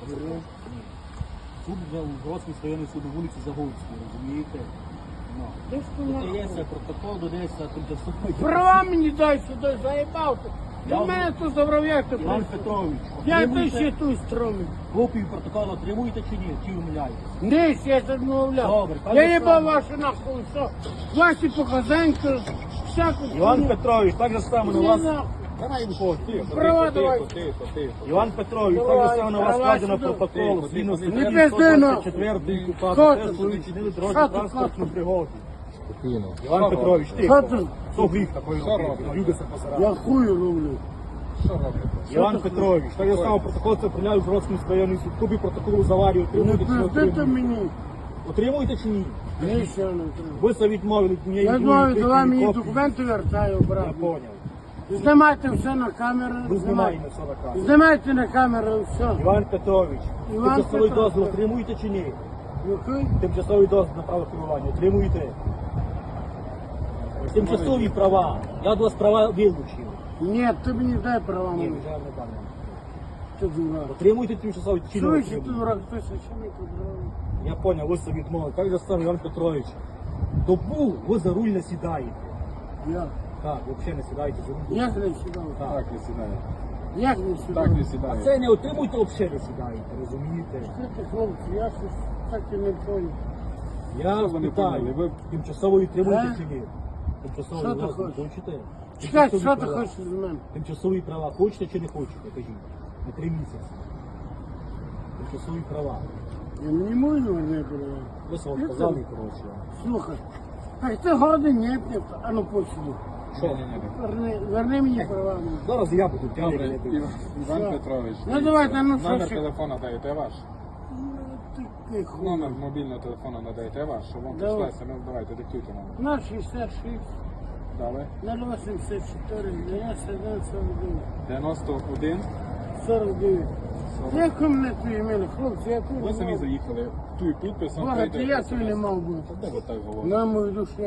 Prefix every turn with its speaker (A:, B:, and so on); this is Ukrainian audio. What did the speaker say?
A: Суд вже у Гроцькому районному суду вулиці Загорській, розумієте?
B: Де ж ти нахуй?
A: Додається протокол, додається тимчасовий.
B: Права мені дай сюди, заїбався. До мене тут забрав, як ти
A: Іван
B: прийшов?
A: Петрович,
B: Я ти
A: отримуєте
B: ще тут стромив.
A: копію протоколу отримуєте чи ні? Чи умиляєте?
B: Ні, я це відмовляв.
A: Добре,
B: Я
A: пане
B: їбав
A: Слава.
B: ваші нахуй, все. Ваші показанки, всяку
A: Іван
B: хуйню.
A: Петрович, так же само на
B: Ні,
A: вас.
B: нахуй.
A: Давай виходь.
B: Права давай.
A: Іван Петрович, так
B: Давай,
A: же само на вас
B: давай
A: складено
B: сюди.
A: протокол. Згідно з
B: Не
A: статтею
B: пизди, ну.
A: 124
B: Що
A: КУПАП,
B: ти?
A: теж ви вчинили
B: Що
A: дорожню
B: ти,
A: транспортну
B: що?
A: пригоду.
C: Спокійно.
A: Іван Петрович, ти.
B: Що ти?
A: Що гріх такої робити? Люди се посирали.
B: Я хую роблю.
C: Що робите?
A: Іван Петрович, так же само протокол це прийняв в Гроцькому районному суд. Копію протоколу з аварії
B: Не
A: отримуєте чи не
B: пиздите
A: отримуєте?
B: мені.
A: Отримуєте чи ні?
B: Нічого не треба.
A: Ви це відмовили. Мені
B: Я
A: йдуть
B: думаю,
A: копії,
B: давай мені
A: копії.
B: документи вертаю,
A: Я
B: брат.
A: поняв.
B: Знімайте все на камеру.
A: Ви знімаєте все на камеру.
B: Знімайте на камеру все.
A: Іван Петрович,
B: Іван
A: тимчасовий
B: Петрович.
A: дозвіл отримуєте чи ні?
B: Який?
A: Тимчасовий дозвіл на право керування отримуєте? Тимчасові права. Я до вас права вилучив.
B: Ні, ти мені дай права
A: Ні,
B: мені.
A: вже не дам.
B: Ти дурак.
A: Отримуєте тимчасові чи не
B: Чуєш, ти
A: отримуєте?
B: дурак, ти що не подробно.
A: Я поняв, ви собі відмовили. Так же сам Іван Петрович. Добу ви за руль не сідаєте.
B: Я.
A: Так, ви взагалі не сідаєте за руль.
B: Як не сідав?
C: Так не сідає.
B: Як не сідав?
C: Так не
A: А
C: сідає.
A: це не отримуєте, взагалі не сідаєте, розумієте?
B: Слухайте, хлопці, я щось так і не понял.
A: Я
C: Що ви не
A: питаю,
C: поняли? Ви-
A: тимчасовий отримуєте
B: А?
A: чи ні? Тимчасовий
B: Що ти
A: дозвіл
B: хочеш?
A: хочете?
B: Чекай,
A: Тимчасові
B: що ти
A: права.
B: хочеш з мене?
A: Тимчасові права хочете чи не хочете, кажіть. На 3 місяці. Тимчасові права.
B: Я не можу не права.
A: Ви вам
B: Я
A: сказали,
B: це-
A: коротше.
B: Слухай, так ти годин не п'єв, а ну посиди.
A: Що?
B: Верни мені права. мені.
A: Зараз я буду
C: Добре,
A: тягнути.
C: Іван
B: Все.
C: Петрович.
B: Ну, давайте, ну,
C: номер
B: що-
C: телефона даєте ваш.
B: Ну, ти хуй.
C: Номер мобільного телефону надаєте ваш, щоб вам
B: Давай.
C: прийшла смс, давайте диктуйте номер.
B: 066
C: Далі.
B: 084 91 49.
C: 91.
B: 49. Як у мене твої імені, хлопці, я тут
C: Ви
B: не
C: самі
B: мав.
C: заїхали. Туй підписом.
B: Бога, ти я тут не мав бути.
C: Де ви так говорите?
B: На мою душу.